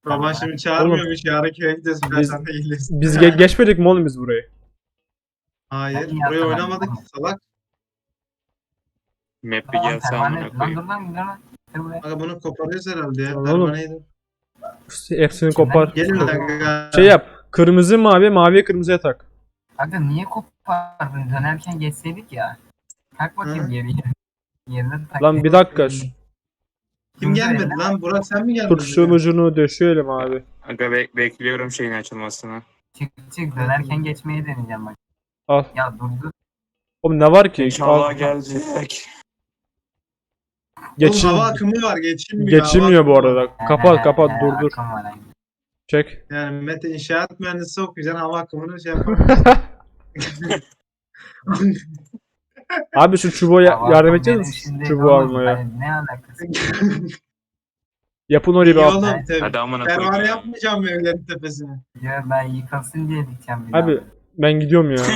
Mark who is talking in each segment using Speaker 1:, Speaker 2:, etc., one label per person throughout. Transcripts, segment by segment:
Speaker 1: Baban şimdi çağırmıyormuş. Yarın köye gideceğiz.
Speaker 2: Biz-
Speaker 1: Sen de iyilesin.
Speaker 2: Biz geçmedik mi oğlum biz burayı?
Speaker 1: Hayır.
Speaker 3: Ben
Speaker 1: Buraya
Speaker 3: yapamam.
Speaker 1: oynamadık ki salak.
Speaker 4: Map bir
Speaker 3: Lan
Speaker 4: gelse
Speaker 3: pervane.
Speaker 4: amına
Speaker 3: Lan
Speaker 4: koyayım.
Speaker 3: dur lan dur lan. Dur buraya.
Speaker 1: Aga bunu koparıyoruz herhalde ya.
Speaker 2: Lan oğlum.
Speaker 1: Pervaneyi de-
Speaker 2: Hepsini kopar.
Speaker 1: Gelin aga.
Speaker 2: Şey yap. Kırmızı mavi, maviye kırmızıya tak.
Speaker 3: Aga niye kopardın? Dönerken geçseydik ya. Tak bakayım
Speaker 1: Hı.
Speaker 3: geriye. Yerine tak.
Speaker 2: Lan bir dakika.
Speaker 1: Kim gelmedi lan? Burak sen mi geldin?
Speaker 2: Tut şunun ucunu döşeyelim abi.
Speaker 4: Aga bekliyorum şeyin açılmasını.
Speaker 3: Çık çık dönerken geçmeyi deneyeceğim bak.
Speaker 2: Al.
Speaker 3: Ya dur dur.
Speaker 2: Oğlum ne var ki?
Speaker 4: İnşallah
Speaker 2: Al.
Speaker 4: gelecek.
Speaker 2: Geçin.
Speaker 1: Oğlum hava akımı var. Geçilmiyor.
Speaker 2: Geçilmiyor bu
Speaker 1: Hava akımı
Speaker 2: arada. Kapat kapat dur dur.
Speaker 3: Akım var aynı.
Speaker 2: Çek.
Speaker 1: Yani Mete inşaat mühendisi okuyacaksın. Hava akımını şey yapalım.
Speaker 2: Abi şu çubuğa
Speaker 3: Hava
Speaker 2: yardım
Speaker 3: akım
Speaker 2: edecek
Speaker 3: benim
Speaker 2: misin?
Speaker 3: şimdi
Speaker 2: Çubuğu
Speaker 3: oğlum,
Speaker 2: almaya.
Speaker 3: hani ne alakası?
Speaker 2: Yapın orayı bir
Speaker 1: İyi
Speaker 2: al.
Speaker 1: oğlum tabii.
Speaker 4: Hadi amına koyayım.
Speaker 1: Pervane
Speaker 4: ya.
Speaker 1: yapmayacağım mı evlerin tepesine?
Speaker 3: Ya ben yıkılsın diye dikeceğim bir daha.
Speaker 2: Abi ben gidiyorum ya.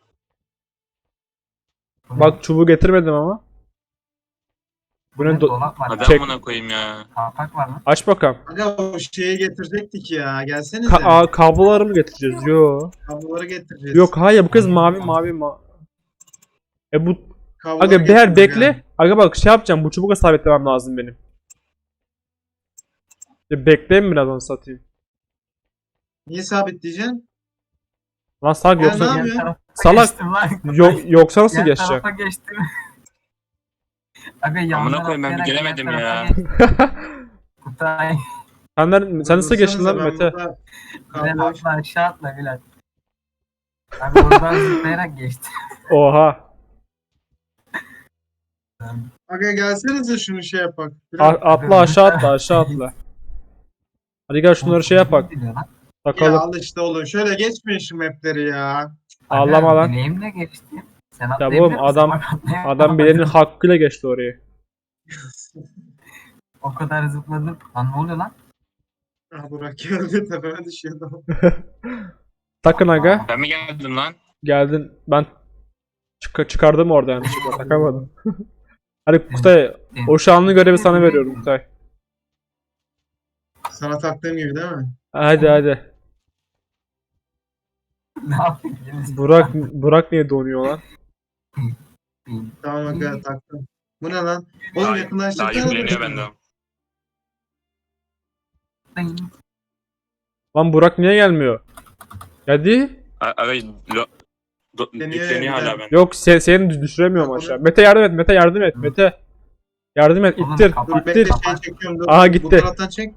Speaker 3: Bu ne?
Speaker 2: Bak çubuğu getirmedim ama. Bu ne?
Speaker 3: Dolap var.
Speaker 4: Hadi
Speaker 2: Çek.
Speaker 4: amına koyayım ya.
Speaker 3: Kapak var mı?
Speaker 2: Aç bakalım.
Speaker 1: Aga o şeyi getirecektik ya. Gelsenize.
Speaker 2: Kabloları mı getireceğiz? Yo.
Speaker 1: Kabloları getireceğiz.
Speaker 2: Yok hayır bu kız mavi. Bu
Speaker 1: Kabloları
Speaker 2: aga bir
Speaker 1: getireceğiz
Speaker 2: bekle.
Speaker 1: yani.
Speaker 2: Aga bak şey yapacağım. Bu çubuğa sabitlemem lazım benim. Bekleyin biraz onu satayım.
Speaker 1: Niye sabitleyeceksin?
Speaker 2: Lan salak
Speaker 1: Ya
Speaker 2: yoksa
Speaker 1: ne yapıyorsun?
Speaker 3: tarafa
Speaker 2: salak
Speaker 3: geçtim lan.
Speaker 2: yoksa nasıl
Speaker 3: Yan
Speaker 2: geçeceğim?
Speaker 3: tarafa geçtim. Aga yandan
Speaker 4: Amına koyayım, ben
Speaker 3: atlayarak
Speaker 4: gelemedim
Speaker 3: yan
Speaker 4: ya.
Speaker 3: tarafa geçtim. Kutay.
Speaker 2: Sen nasıl geçtin lan
Speaker 1: Ben
Speaker 2: Mete?
Speaker 1: burada
Speaker 3: Bilal
Speaker 1: kablo-
Speaker 3: atla aşağı atla Bilal. Abi oradan zıplayarak geçti.
Speaker 2: Oha.
Speaker 1: Aga gelsenize şunu şey yapak.
Speaker 2: Atla aşağı atla. Hadi gel şunları şey yapak.
Speaker 1: Ya
Speaker 2: Takalım.
Speaker 1: al işte oğlum. Şöyle geçmeyin şu mapleri ya.
Speaker 2: Ağlama lan.
Speaker 3: Bileğimle geçtim. Sen
Speaker 2: Ya
Speaker 3: atlayabilir
Speaker 2: oğlum
Speaker 3: misin?
Speaker 2: adam
Speaker 3: Bak atlayamam.
Speaker 2: adam birinin hakkıyla geçti orayı.
Speaker 3: O kadar zıpladım. Lan ne oluyor lan?
Speaker 1: Ah Burak geldi tepeme düşüyordu.
Speaker 2: Takın aga.
Speaker 4: Ben mi geldim lan?
Speaker 2: Geldin. Ben çıkardım orada yani. Takamadım. Hadi Kutay. O şanlı görevi sana veriyorum Kutay.
Speaker 1: Sana taktığım gibi değil mi?
Speaker 2: Hadi.
Speaker 3: Ne yapayım?
Speaker 2: Burak niye donuyor lan?
Speaker 1: Tamam aga taktım. Bu ne lan? Oğlum
Speaker 4: Daha
Speaker 1: yakınlaştık.
Speaker 4: yükleniyor benden.
Speaker 2: Lan Burak niye gelmiyor? Hadi.
Speaker 4: Aga
Speaker 1: Yükleniyor
Speaker 4: yükleniyor
Speaker 1: ya,
Speaker 4: hala
Speaker 1: bir
Speaker 4: benden.
Speaker 2: Yok seni düşüremiyorum aşağı. Mete yardım et. Mete yardım et. Mete. Yardım et.
Speaker 3: Oğlum,
Speaker 2: İttir.
Speaker 3: kapat.
Speaker 1: Dur bekle
Speaker 2: İttir.
Speaker 1: şey çekiyorum. Dur.
Speaker 2: Aha, gitti.
Speaker 1: Bu taraftan çek.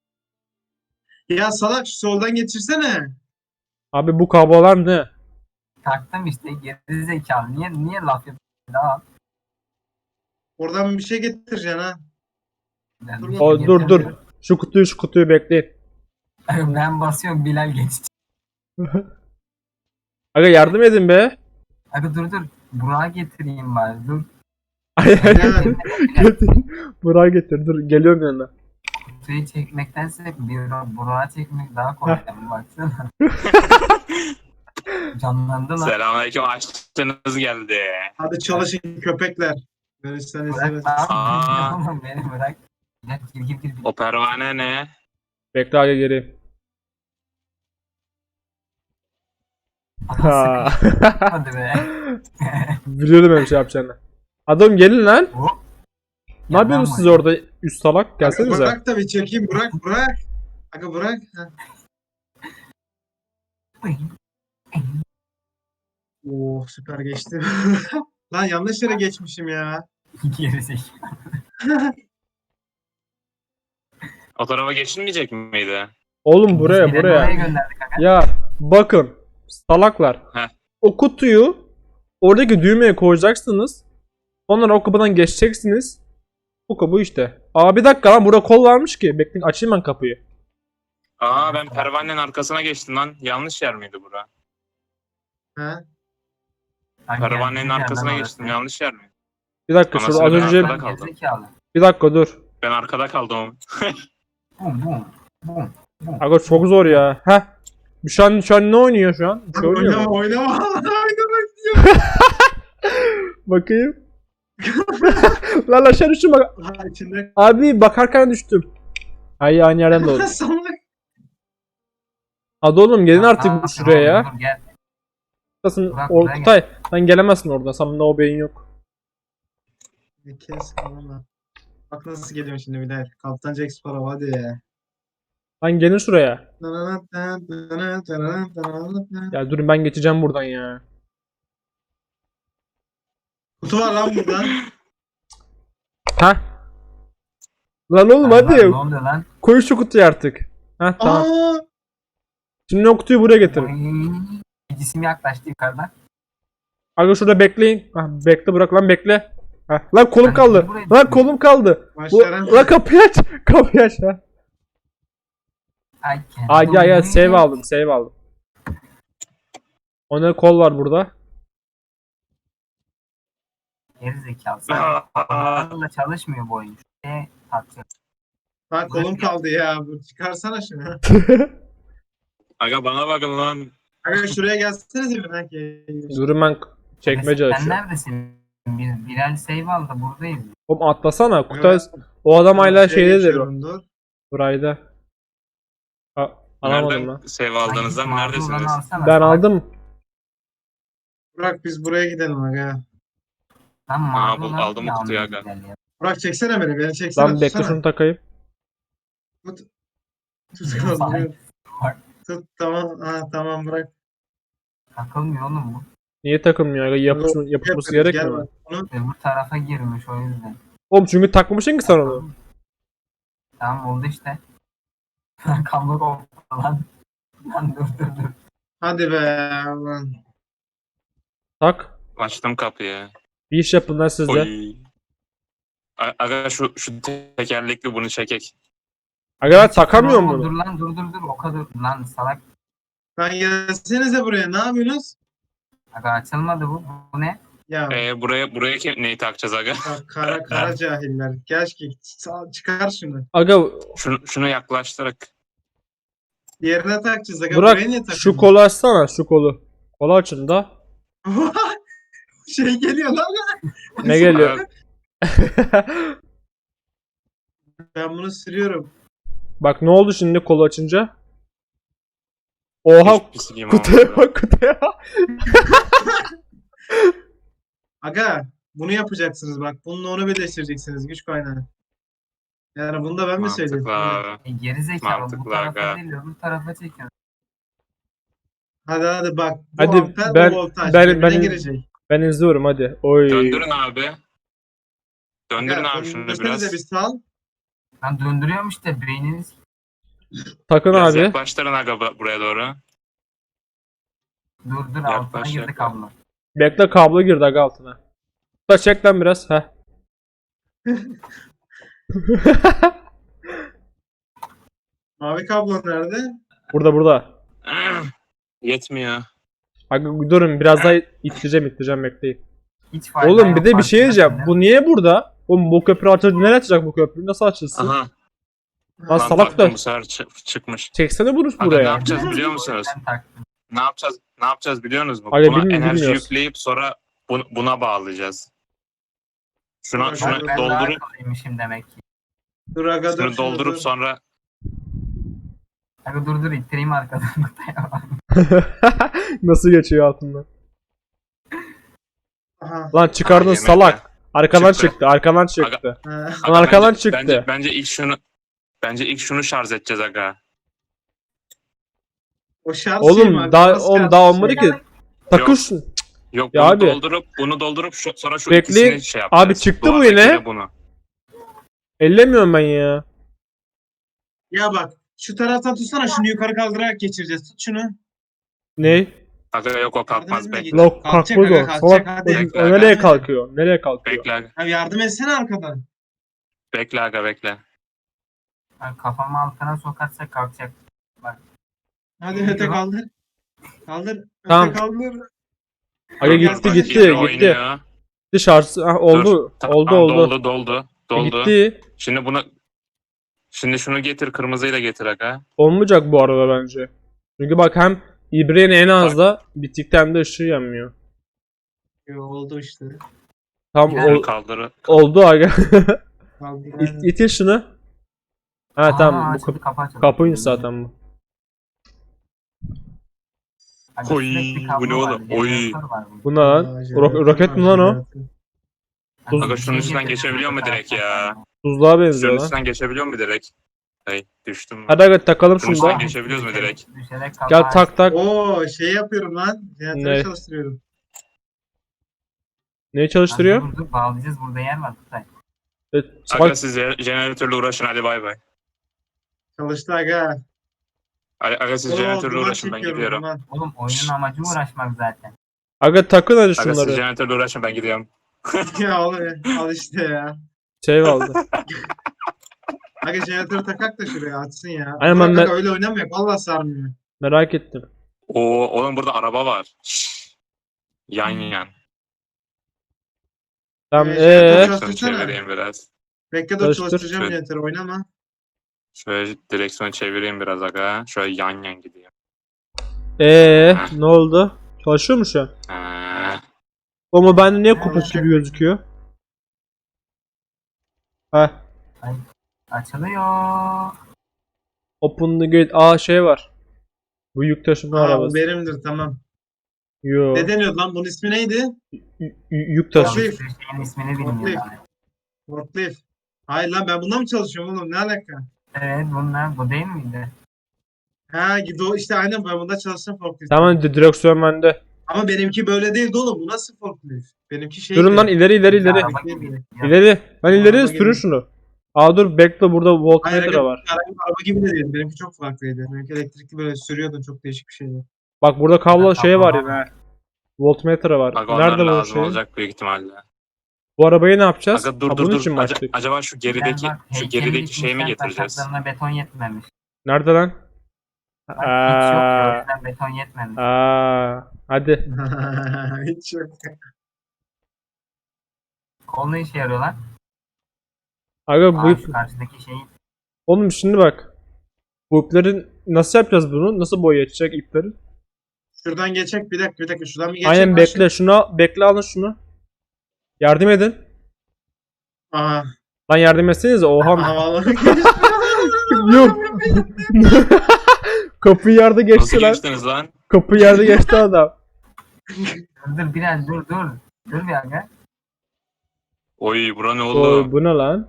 Speaker 1: Ya salak şu soldan geçirsene.
Speaker 2: Abi bu kablolar ne?
Speaker 3: Taktım işte geri zekalı. Niye laf yapıyorsun? Daha.
Speaker 1: Oradan bir şey getireceksin ha.
Speaker 3: Ben
Speaker 1: Dur
Speaker 3: bir
Speaker 2: O
Speaker 3: şey
Speaker 2: dur.
Speaker 3: getirmiyorum.
Speaker 2: Şu kutuyu bekleyin.
Speaker 3: Ben basıyorum Bilal geçti.
Speaker 2: Aga yardım edin be.
Speaker 3: Abi dur. Burak'a getireyim bari. Dur.
Speaker 2: Ay,
Speaker 1: Ya,
Speaker 2: getir. Burak'ı getir. Dur geliyorum yanına.
Speaker 3: Kutuyu çekmektense Burak'a çekmek daha kolay. Baksana. Canlandı lan.
Speaker 4: Selamünaleyküm, açtınız geldi.
Speaker 1: hadi çalışın köpekler. Görüşsen
Speaker 3: Bırak
Speaker 1: izlemez.
Speaker 3: lan.
Speaker 4: Aa.
Speaker 3: Oğlum beni bırak. Gir.
Speaker 4: O pervane ne?
Speaker 2: Bekle aga geri. Ha.
Speaker 3: Hadi be.
Speaker 2: Biliyordum öyle şey yapacağını. Adam gelin lan.
Speaker 3: Hop.
Speaker 2: Ne yapıyorsunuz siz orada üst salak? Gelsenize.
Speaker 1: Bırak da bir çekeyim. Bırak. Aga bırak. Ha. Oo süper geçti. Lan yanlış yere geçmişim ya.
Speaker 3: Gerizekalı.
Speaker 4: O tarafa geçilmeyecek miydi?
Speaker 2: Oğlum buraya.
Speaker 3: Oraya gönderdik aga.
Speaker 2: Ya bakın salaklar.
Speaker 4: Heh.
Speaker 2: O kutuyu oradaki düğmeye koyacaksınız. Ondan o kapıdan geçeceksiniz. Bu kapı işte. Aa bir dakika lan burada kol varmış ki. Bekleyin açayım ben kapıyı.
Speaker 4: Aa, ben pervanenin arkasına geçtim lan. Yanlış yer miydi bura?
Speaker 1: Ha?
Speaker 3: Ay,
Speaker 4: Pervanenin
Speaker 3: geldi
Speaker 4: arkasına
Speaker 3: yerden
Speaker 4: geçtim.
Speaker 3: orası.
Speaker 4: Yanlış yer mi?
Speaker 2: Bir dakika şurada az
Speaker 4: Anasını
Speaker 2: önce
Speaker 4: ben kaldım.
Speaker 3: Gerizekalı.
Speaker 2: bir dakika dur.
Speaker 4: Ben arkada kaldım.
Speaker 3: Bum.
Speaker 2: Aga çok zor ya. Heh. Şu an ne oynuyor şu an? Bir şey oynuyor mu?
Speaker 1: Oynama.
Speaker 2: Bakayım. Lan aşağı düştüm bak.
Speaker 1: Ha içinde.
Speaker 2: Abi bakarken düştüm. Ay aynı yerden doğdu.
Speaker 1: Salak.
Speaker 2: Hadi oğlum gelin artık
Speaker 3: Aa,
Speaker 2: şuraya ya.
Speaker 3: dur, gel.
Speaker 2: Kutay,
Speaker 3: Burak, buraya
Speaker 2: Kutay sen gelemezsin orada. Sana o beyin yok.
Speaker 1: Kes valla. Bak nasıl geliyorum şimdi bir daha. Kaptan Jack Sparrow hadi.
Speaker 2: Lan gelin şuraya. Ya durun ben geçeceğim buradan ya.
Speaker 1: Kutu var lan burada.
Speaker 2: Ha? Lan oğlum
Speaker 3: Lan,
Speaker 2: hadi.
Speaker 3: Ne oluyor lan?
Speaker 2: Koy şu kutuyu artık. Ha tamam.
Speaker 1: Aa!
Speaker 2: Şimdi o kutuyu buraya getirin.
Speaker 3: Oy, bir cisim yaklaştı yukarıdan.
Speaker 2: Aga şurada bekleyin. Ha, bekle bırak lan bekle. Ha, lan kolum
Speaker 3: Ben
Speaker 2: kaldı.
Speaker 3: buraya
Speaker 2: Lan
Speaker 3: gittim.
Speaker 2: kolum kaldı.
Speaker 1: Başlaran.
Speaker 2: Lan kapıyı aç. Kapıyı aç ha.
Speaker 3: Ay
Speaker 2: Aa gel gel
Speaker 3: kendim.
Speaker 2: save aldım save aldım. Ona kol var burada.
Speaker 3: Geri zekalı. Akılla çalışmıyor bu oyun. Şuraya takacak.
Speaker 1: Lan kolum kaldı ya. Çıkarsana şunu.
Speaker 4: Aga bana bakın lan.
Speaker 1: Aga şuraya gelsenize bir belki.
Speaker 2: Durun ben çekmece
Speaker 3: Sen
Speaker 2: açıyorum.
Speaker 3: neredesin? Bilal save aldı buradayız.
Speaker 2: Oğlum atlasana. Kutay o adam hala
Speaker 1: Şuraya
Speaker 2: şeydedir o.
Speaker 1: geçiyorum, dur.
Speaker 2: Burayda. Ha, alamadım
Speaker 4: Nereden
Speaker 2: lan.
Speaker 4: save aldığınızdan
Speaker 3: Ay,
Speaker 4: neredesiniz?
Speaker 3: mağdurlarını alsana.
Speaker 2: Ben
Speaker 3: Salak.
Speaker 2: aldım.
Speaker 1: Burak biz buraya gidelim aga.
Speaker 3: Lan
Speaker 4: Aa, bu
Speaker 3: mağdurlarını
Speaker 4: aldım
Speaker 3: niye
Speaker 4: kutuyu
Speaker 3: almıyor
Speaker 4: aga.
Speaker 3: Bilal ya?
Speaker 1: Burak çeksene beni çeksene.
Speaker 2: Lan bekle
Speaker 1: tutsana.
Speaker 2: şunu takayım.
Speaker 1: Tut. Tut kaldırıyorum. Tut tamam. Ha tamam bırak.
Speaker 3: Takılmıyor oğlum bu.
Speaker 2: Niye takılmıyor? Aga? Yapışması
Speaker 1: Yapıyoruz,
Speaker 2: gerekmiyor
Speaker 1: gel
Speaker 2: mu?
Speaker 1: bak. Bunu
Speaker 3: Öbür tarafa girmiş o yüzden.
Speaker 2: Oğlum çünkü takmışsın ki sen onu.
Speaker 3: Tamam oldu işte. Kablo koptu lan. Lan dur.
Speaker 1: hadi be lan.
Speaker 2: Tak.
Speaker 4: Açtım kapıyı.
Speaker 2: Bir iş yapın lan siz de.
Speaker 4: Oy. Aga şu tekerlekli bunu çekek.
Speaker 2: Aga ben takamıyorum
Speaker 3: Dur
Speaker 2: bunu.
Speaker 3: lan dur. O kadar lan salak.
Speaker 1: Lan gelsenize buraya ne yapıyorsunuz?
Speaker 3: Aga açılmadı bu. Bu ne?
Speaker 1: Ya
Speaker 4: Buraya neyi takacağız aga?
Speaker 1: bak, kara cahiller. Gel ki çıkar şunu.
Speaker 2: Aga
Speaker 4: Şunu yaklaştırarak.
Speaker 1: Yerine takacağız aga.
Speaker 2: Burak
Speaker 1: Buraya niye
Speaker 2: şu
Speaker 1: takıyorsun?
Speaker 2: kolu açsana şu kolu. Kolu açın da.
Speaker 1: Şey geliyor lan.
Speaker 2: Ne geliyor?
Speaker 1: Ben bunu sürüyorum.
Speaker 2: Bak ne oldu şimdi kolu açınca? Oha
Speaker 4: Hiç pisliğim
Speaker 2: kutuya
Speaker 4: olmadı.
Speaker 2: bak kutuya.
Speaker 1: Aga bunu yapacaksınız bak. Bununla onu birleştireceksiniz güç kaynağı. Yani bunu da ben mi söyleyeyim?
Speaker 4: Mantıklı abi.
Speaker 3: Geri zekalı bu
Speaker 4: Mantıklı
Speaker 3: tarafa
Speaker 4: aga.
Speaker 3: değil öbür tarafa çekiyor.
Speaker 1: Hadi bak. Bu
Speaker 2: Hadi,
Speaker 1: amper,
Speaker 2: ben-
Speaker 1: bu voltaj.
Speaker 2: ben-
Speaker 1: Birbirine
Speaker 2: ben-
Speaker 1: girecek.
Speaker 2: Ben izliyorum hadi. Oy.
Speaker 4: Döndürün abi. Döndürün
Speaker 1: Aga,
Speaker 4: abi şunu
Speaker 1: döndürsenize
Speaker 4: biraz.
Speaker 1: bir sal.
Speaker 3: Lan döndürüyorum işte beyniniz.
Speaker 2: Takın
Speaker 4: Biraz
Speaker 2: abi.
Speaker 4: yaklaştırın aga buraya doğru.
Speaker 3: Dur altına
Speaker 4: Yaklaş,
Speaker 3: girdi
Speaker 4: yaklaş.
Speaker 3: kablo.
Speaker 2: Bekle kablo girdi aga altına. Da çek lan biraz. Heh.
Speaker 1: Mavi kablo nerede?
Speaker 2: Burada.
Speaker 4: Yetmiyor.
Speaker 2: Aga durun biraz daha ittireceğim bekleyin.
Speaker 3: Hiç fayda
Speaker 2: Oğlum
Speaker 3: yok,
Speaker 2: bir de bir şey
Speaker 3: farkında
Speaker 2: diyeceğim.
Speaker 3: mısın?
Speaker 2: Bu niye burada? Oğlum bu köprü açıldı. Nereye açacak bu köprü? Nasıl açılsın?
Speaker 4: Aha.
Speaker 2: Lan
Speaker 4: Lan
Speaker 2: salak
Speaker 4: taktım
Speaker 2: da
Speaker 4: bu sefer çıkmış.
Speaker 2: çeksene bunu
Speaker 4: Aga ne
Speaker 2: buraya.
Speaker 4: yapacağız biliyor musunuz?
Speaker 3: Ben taktım.
Speaker 4: Ne yapacağız biliyor musunuz?
Speaker 2: Aga,
Speaker 4: Buna enerji
Speaker 2: bilmiyoruz.
Speaker 4: yükleyip sonra buna bağlayacağız. Şuna
Speaker 1: Bak,
Speaker 4: şunu
Speaker 3: Ben daha
Speaker 4: doldurup
Speaker 3: akıllıymışım demek ki.
Speaker 1: Dur aga dur.
Speaker 4: şunu
Speaker 1: şunu
Speaker 4: doldurup
Speaker 1: dur.
Speaker 4: sonra
Speaker 3: Aga dur ittireyim arkadan.
Speaker 2: Nasıl geçiyor altından?
Speaker 1: Aha.
Speaker 2: Lan çıkardın
Speaker 4: Aha, yemekle.
Speaker 2: salak. Arkadan
Speaker 4: Çıktı.
Speaker 2: çıktı. Arkadan çıktı.
Speaker 1: Ha.
Speaker 2: Lan arkadan
Speaker 4: bence,
Speaker 2: çıktı.
Speaker 4: Bence ilk şunu şarj edeceğiz aga.
Speaker 1: O şarj şey mi
Speaker 2: Oğlum
Speaker 1: abi?
Speaker 2: daha
Speaker 1: Nasıl
Speaker 2: oğlum
Speaker 1: şarj
Speaker 2: daha
Speaker 1: şey?
Speaker 2: olmadı ki. Takın şunu.
Speaker 4: Yok
Speaker 2: Ya
Speaker 4: bunu
Speaker 2: abi.
Speaker 4: doldurup sonra şu
Speaker 2: Bekleyin.
Speaker 4: ikisini şey yapacağız.
Speaker 2: Abi çıktı bu
Speaker 4: Duvardakiyle
Speaker 2: yine.
Speaker 4: Bunu.
Speaker 2: Ellemiyorum ben ya.
Speaker 1: Ya bak şu taraftan tutsana şunu yukarı kaldırarak geçireceğiz. Tut şunu.
Speaker 2: Ne?
Speaker 4: Aga yok o kalkmaz
Speaker 1: Yardım
Speaker 4: bekle.
Speaker 1: etme,
Speaker 2: Lok
Speaker 1: Kalkacak
Speaker 2: kalkmaz
Speaker 1: aga,
Speaker 2: o.
Speaker 1: kalkacak,
Speaker 2: Salak.
Speaker 1: hadi.
Speaker 2: O
Speaker 4: Bekle,
Speaker 2: nereye
Speaker 1: bekle.
Speaker 2: kalkıyor? Nereye kalkıyor?
Speaker 4: Bekle aga.
Speaker 1: Abi yardım etsene arkadan.
Speaker 4: Bekle aga bekle.
Speaker 3: Yani kafamı altına sokarsa kalkacak.
Speaker 1: Hadi öte kaldır. Kaldır.
Speaker 2: Tamam.
Speaker 1: Öte kaldır.
Speaker 2: Aga
Speaker 1: Bak,
Speaker 2: gitti
Speaker 1: bak,
Speaker 2: gitti
Speaker 4: Yine
Speaker 2: gitti.
Speaker 4: oynuyor.
Speaker 2: Gitti şarjı. Ah, oldu.
Speaker 4: Tamam,
Speaker 2: Oldu.
Speaker 4: Doldu.
Speaker 2: Gitti.
Speaker 4: Şimdi şunu getir kırmızıyı da getir aga.
Speaker 2: Olmayacak bu arada bence. Çünkü bak hem İbre'nin en az da bittikten hem de ışığı yanmıyor.
Speaker 1: Yo, oldu işte.
Speaker 2: Tam
Speaker 3: Yani
Speaker 4: Bunu kaldır.
Speaker 2: oldu aga.
Speaker 1: Kaldır.
Speaker 2: İtir şunu. Ha tamam bu
Speaker 3: açıldı, kapı açıldı.
Speaker 2: kapıymış zaten bu.
Speaker 3: Aga
Speaker 4: Oy,
Speaker 3: sürekli kablo
Speaker 4: bu ne
Speaker 3: var,
Speaker 4: oğlum? Oy.
Speaker 3: jeneratör var bunun.
Speaker 2: Bu ne lan? Roket mi lan o?
Speaker 3: Aga
Speaker 4: Aga
Speaker 3: bir
Speaker 4: şunun
Speaker 3: şey
Speaker 4: üstünden
Speaker 3: getirdim,
Speaker 4: geçebiliyor mu
Speaker 3: bu
Speaker 4: direkt
Speaker 3: taraftan
Speaker 4: ya?
Speaker 3: kablo.
Speaker 2: Tuzluğa benziyor
Speaker 4: Şunun
Speaker 2: lan.
Speaker 4: üstünden geçebiliyor mu direkt? Hey, düştüm.
Speaker 2: Hadi aga takalım
Speaker 4: Şunun
Speaker 2: şunu da.
Speaker 4: üstünden geçebiliyoruz mu direkt?
Speaker 3: Düşerek
Speaker 2: Gel
Speaker 3: kapağı
Speaker 2: tak tak.
Speaker 1: Oo şey yapıyorum lan. Jeneratörü
Speaker 2: Ne?
Speaker 1: çalıştırıyorum.
Speaker 2: Neyi çalıştırıyor?
Speaker 3: Dur dur bağlayacağız, burada yer var Kutay.
Speaker 2: Evet,
Speaker 4: Aga siz jeneratörle uğraşın hadi bay bay.
Speaker 1: Çalıştı aga.
Speaker 4: Aga siz
Speaker 1: Oo
Speaker 4: jeneratörle
Speaker 1: duman
Speaker 4: uğraşın ben
Speaker 1: çekiyorum
Speaker 4: gidiyorum.
Speaker 1: duman.
Speaker 3: Oğlum oyunun amacı uğraşmak zaten.
Speaker 2: Aga takın hadi
Speaker 4: Aga siz
Speaker 2: şunları.
Speaker 4: jeneratörle uğraşın ben gidiyorum.
Speaker 1: Ya oğlum al işte ya.
Speaker 2: Save aldı.
Speaker 1: Aga jeneratörü takak da şuraya açsın ya.
Speaker 2: Aynen,
Speaker 1: Burak
Speaker 2: ben
Speaker 1: aga öyle oynamıyor. Vallahi sarmıyor.
Speaker 2: Merak ettim.
Speaker 4: Oo oğlum burada araba var. Şşş. Yan yan.
Speaker 2: Tamam
Speaker 1: jeneratör
Speaker 4: Direksiyonu
Speaker 1: çalıştırsana.
Speaker 4: çevireyim biraz.
Speaker 1: Bekle dur
Speaker 2: Çalıştır.
Speaker 1: çalıştıracağım
Speaker 4: Şöyle.
Speaker 1: jeneratörü oynama.
Speaker 4: Şöyle direksiyonu çevireyim biraz aga. Şöyle yan yan gidiyor.
Speaker 2: Ne oldu? Çalışıyor mu şu an?
Speaker 4: Ha.
Speaker 2: Ama bende niye kopuk
Speaker 1: Çalışacak.
Speaker 2: gibi gözüküyor? Heh.
Speaker 3: Açılıyor.
Speaker 2: Open the gate. Aa şey var. Bu yük taşıma
Speaker 1: Aa bu
Speaker 2: arabası.
Speaker 1: benimdir tamam.
Speaker 2: Yo.
Speaker 1: Ne deniyordu lan? Bunun ismi neydi?
Speaker 2: Yük taşı.
Speaker 1: Forklift.
Speaker 3: Şeyin ismini bilmiyorum.
Speaker 1: Forklift. Forklift. Hayır lan ben bunda mı çalışıyorum oğlum? Ne alaka?
Speaker 3: Evet bunlar bu değil miydi?
Speaker 1: Ha gidiyor işte aynen ben bunda çalıştım forklift.
Speaker 2: Tamam direksiyon bende.
Speaker 1: Ama benimki böyle değildi oğlum. Bu nasıl forklift? Benimki şey.
Speaker 2: Durun lan ileri.
Speaker 3: Araba gibi.
Speaker 2: İleri. Ben ileri
Speaker 1: Araba
Speaker 2: sürün
Speaker 1: gibi.
Speaker 2: şunu. Aa dur bekle burada
Speaker 1: Hayır,
Speaker 2: voltmetre
Speaker 1: aga,
Speaker 2: var.
Speaker 1: araba gibi de değil. Benimki çok farklıydı. Benimki elektrikli böyle sürüyordun çok değişik bir şeydi.
Speaker 2: Bak burada kablo
Speaker 3: Burada
Speaker 2: şey
Speaker 3: kablo
Speaker 2: var
Speaker 3: var.
Speaker 2: yine. Voltmetre var.
Speaker 4: Aga onlar
Speaker 2: Nerede bu
Speaker 4: lazım
Speaker 2: şey?
Speaker 4: olacak büyük ihtimalle.
Speaker 2: Bu arabayı ne yapacağız?
Speaker 4: Aga dur
Speaker 2: Ha,
Speaker 4: dur
Speaker 2: bunun
Speaker 4: dur.
Speaker 2: için mi açtık?
Speaker 4: Acaba şu gerideki şeyi mi getireceğiz?
Speaker 3: Taşaklarına beton yetmemiş.
Speaker 2: Nerede lan?
Speaker 3: Bak, hiç yok ya, o
Speaker 2: Aa,
Speaker 3: yüzden beton yetmemiş.
Speaker 2: hadi.
Speaker 1: Hiç yok.
Speaker 3: Kol ne işe yarıyor lan?
Speaker 2: Aga bu
Speaker 3: Aa,
Speaker 2: ip.
Speaker 3: şu karşıdaki şeyi.
Speaker 2: Oğlum şimdi bak. Bu ipleri nasıl yapacağız bunu? Nasıl boyayacak ipleri?
Speaker 1: Şuradan geçecek bir dakika şuradan bir geçecek.
Speaker 2: Aynen
Speaker 1: başla.
Speaker 2: bekle şunu bekle alın şunu. Yardım edin.
Speaker 1: Aha.
Speaker 2: Lan yardım etsenize oha.
Speaker 1: Aha vallahi
Speaker 2: Yok. Kapıyı yerde geçti
Speaker 4: Nasıl
Speaker 2: lan.
Speaker 4: geçtiniz lan?
Speaker 2: Kapıyı yerde geçti adam.
Speaker 3: Dur biraz dur. Dur bir aga.
Speaker 4: Oy bura ne
Speaker 2: Oy,
Speaker 4: oldu?
Speaker 2: bu ne lan?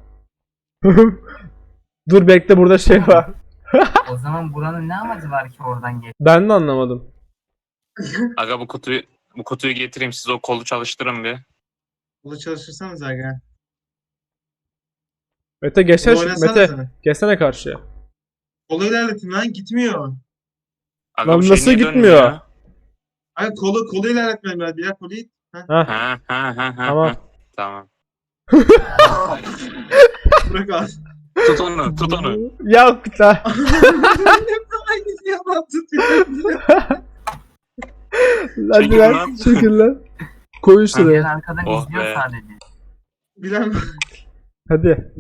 Speaker 2: Dur bekle burada şey var.
Speaker 3: O zaman buranın ne amacı var ki oradan geç?
Speaker 2: Ben de anlamadım.
Speaker 4: Aga bu kutuyu getireyim siz o kolu çalıştırın bir.
Speaker 1: Bunu çalışırsanız aga.
Speaker 2: Mete geçsene
Speaker 1: Bunu
Speaker 2: şu
Speaker 1: oynasanıza.
Speaker 2: Mete. Geçsene karşıya.
Speaker 1: Kolu ilerletin lan gitmiyor.
Speaker 4: Aga
Speaker 2: Lan
Speaker 4: bu şey
Speaker 2: nasıl
Speaker 4: niye
Speaker 2: gitmiyor?
Speaker 4: dönmüyor?
Speaker 1: Ay kolu ilerletmem lazım. Ya kolu it.
Speaker 2: Hah
Speaker 4: Ha.
Speaker 2: tamam.
Speaker 4: Tamam.
Speaker 1: Bırak al.
Speaker 4: Tut onu.
Speaker 2: Ya lan.
Speaker 1: Aynı yalan
Speaker 2: Hadi
Speaker 4: Çekil
Speaker 2: lan.
Speaker 4: lan.
Speaker 2: Çekil lan. Koy
Speaker 3: Ben
Speaker 2: şuraya.
Speaker 3: arkadan
Speaker 4: Oh
Speaker 3: izliyor
Speaker 4: be.
Speaker 3: sadece.
Speaker 1: Bilen
Speaker 2: Hadi.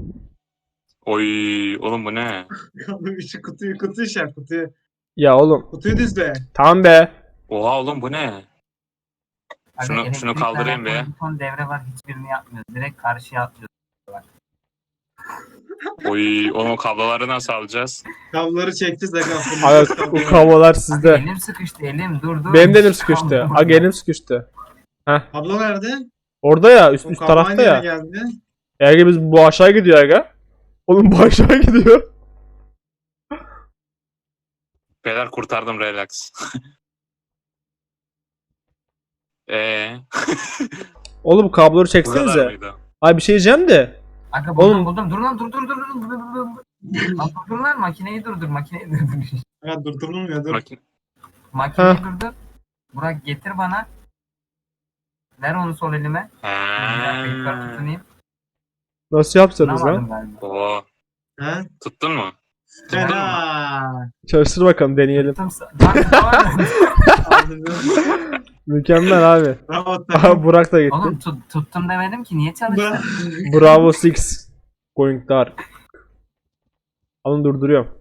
Speaker 4: Oy oğlum bu ne?
Speaker 1: şu kutuyu şey yap kutuyu.
Speaker 2: Ya oğlum.
Speaker 1: Kutuyu düzle.
Speaker 2: Tamam be.
Speaker 4: Oha oğlum bu ne?
Speaker 3: Aga,
Speaker 4: Şunu
Speaker 3: elektrikle
Speaker 4: kaldırayım be.
Speaker 3: alakalı bir ton devre var, hiçbirini yapmıyoruz. Direkt karşıya atlıyoruz.
Speaker 4: Oy oğlum o kabloları nasıl alacağız?
Speaker 1: Kabloları çekeceğiz aga.
Speaker 2: Aga bu kablolar sizde.
Speaker 3: Elim sıkıştı dur.
Speaker 2: Benim de elim sıkıştı. Aga elim sıkıştı.
Speaker 1: Kablo nerede?
Speaker 2: Orada ya üst
Speaker 1: O
Speaker 2: üst
Speaker 1: kablo
Speaker 2: tarafta
Speaker 1: aynı yere
Speaker 2: ya.
Speaker 1: geldi.
Speaker 2: Aga biz bu aşağı gidiyor aga. Oğlum bu aşağı gidiyor.
Speaker 4: Beyler kurtardım relax.
Speaker 2: Oğlum kabloları
Speaker 4: Bu kadar
Speaker 2: çeksenize.
Speaker 4: mıydı?
Speaker 2: Ay bir şey diyeceğim de.
Speaker 3: Aga
Speaker 2: Oğlum-
Speaker 3: buldum. Dur lan dur. Lan dur lan makineyi durdur.
Speaker 1: Ha durdurulmuyor dur.
Speaker 4: Makine...
Speaker 3: Makineyi durdur. Burak getir bana. Ver onu sol elime. Bir dakika yukarı tutunayım.
Speaker 2: Nasıl yapsanız
Speaker 3: Tunamadım
Speaker 2: lan?
Speaker 3: galiba.
Speaker 4: Oo,
Speaker 1: Ha?
Speaker 4: tuttun mu?
Speaker 1: Fena.
Speaker 2: Çalıştır bakalım deneyelim.
Speaker 3: Bak tamam.
Speaker 2: Mükemmel abi.
Speaker 1: Bravo
Speaker 2: Aha
Speaker 1: takım.
Speaker 2: Burak da gitti.
Speaker 3: Oğlum tuttum demedim ki niye çalıştı?
Speaker 2: Bravo 6. Going dark. Alın durduruyorum.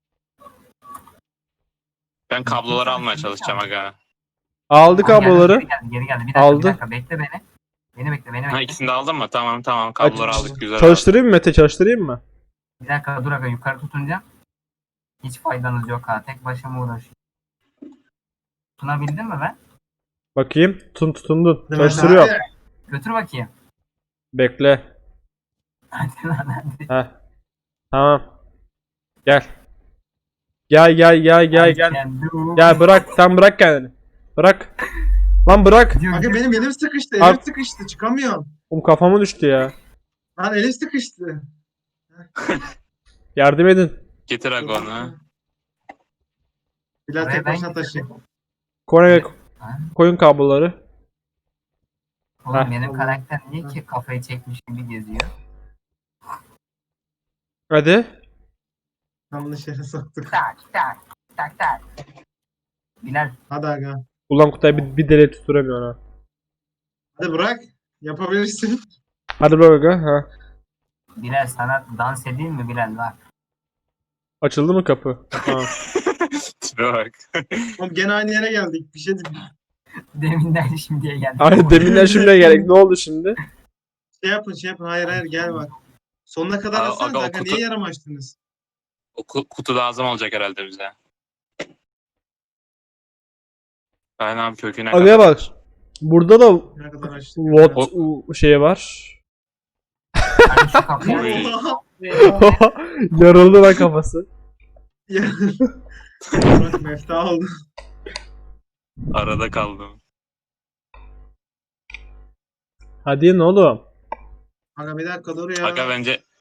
Speaker 4: Ben kabloları almaya çalışacağım aga.
Speaker 2: Aldı kabloları.
Speaker 3: Geri geldi. Bir dakika,
Speaker 2: Aldı.
Speaker 3: bir dakika bekle beni. Beni bekle.
Speaker 4: Ha ikisini de aldın mı? Tamam kabloları
Speaker 2: Aç-
Speaker 4: aldık güzel.
Speaker 2: Çalıştırayım mı Mete çalıştırayım mı?
Speaker 3: Bir dakika dur aga yukarı tutunca. Hiç faydanız yok ha. Tek başıma uğraşıyorum. Tutunabildin mi ben?
Speaker 2: Bakayım. Tutundun.
Speaker 1: Değil mi?
Speaker 2: Çalıştırıyor.
Speaker 1: Hadi.
Speaker 3: Götür bakayım.
Speaker 2: Bekle.
Speaker 3: Hadi lan hadi.
Speaker 2: Heh. Tamam. Gel. Gel. Gel bırak. Sen bırak kendini. Bırak. Lan bırak.
Speaker 1: Aga benim elim sıkıştı.
Speaker 2: Abi-
Speaker 1: Elim sıkıştı. Çıkamıyorum.
Speaker 2: Kafama düştü ya.
Speaker 1: Lan elim sıkıştı.
Speaker 2: Yardım edin.
Speaker 4: Getir aga onu.
Speaker 1: Bilal
Speaker 3: Buraya
Speaker 1: tek
Speaker 3: ben
Speaker 1: başına taşıyayım.
Speaker 2: Koyun,
Speaker 3: Ha?
Speaker 2: koyun kabloları.
Speaker 3: Oğlum
Speaker 2: Heh.
Speaker 3: benim karakter niye ki kafayı çekmiş gibi geziyor?
Speaker 2: Hadi.
Speaker 1: Yanlış yere soktuk.
Speaker 3: Tak. Bilal
Speaker 1: Hadi aga.
Speaker 2: Ulan Kutay bir deliğe tutturamıyor ha.
Speaker 1: Hadi bırak. Yapabilirsin.
Speaker 2: Hadi bırak aga. Ha.
Speaker 3: Bilal sana dans edeyim mi Bilal bak.
Speaker 2: Açıldı mı kapı? Ha.
Speaker 4: Tipe bak.
Speaker 1: Oğlum gene aynı yere geldik. Bir şey
Speaker 3: Deminden şimdiye geldik.
Speaker 2: Ay deminden şimdiye gerek. Ne oldu şimdi?
Speaker 1: şey yapın. Hayır gel bak. Sonuna kadar
Speaker 4: Aga,
Speaker 1: alsanız
Speaker 4: o
Speaker 1: aga
Speaker 4: kutu-
Speaker 1: niye yarım açtınız?
Speaker 4: O kutu lazım olacak herhalde bize. Aynen abi köküne
Speaker 2: Agaya bak. Burada da
Speaker 1: Ne kadar açtık?
Speaker 2: what şey var.
Speaker 3: Hadi şu kapıyı
Speaker 4: Oy.
Speaker 2: Yarıldı lan kafası.
Speaker 1: Ya. Bak mefta oldu.
Speaker 4: Arada kaldım.
Speaker 2: Hadi ne oğlum?
Speaker 1: Aga bir dakika dur ya.
Speaker 4: Aga bence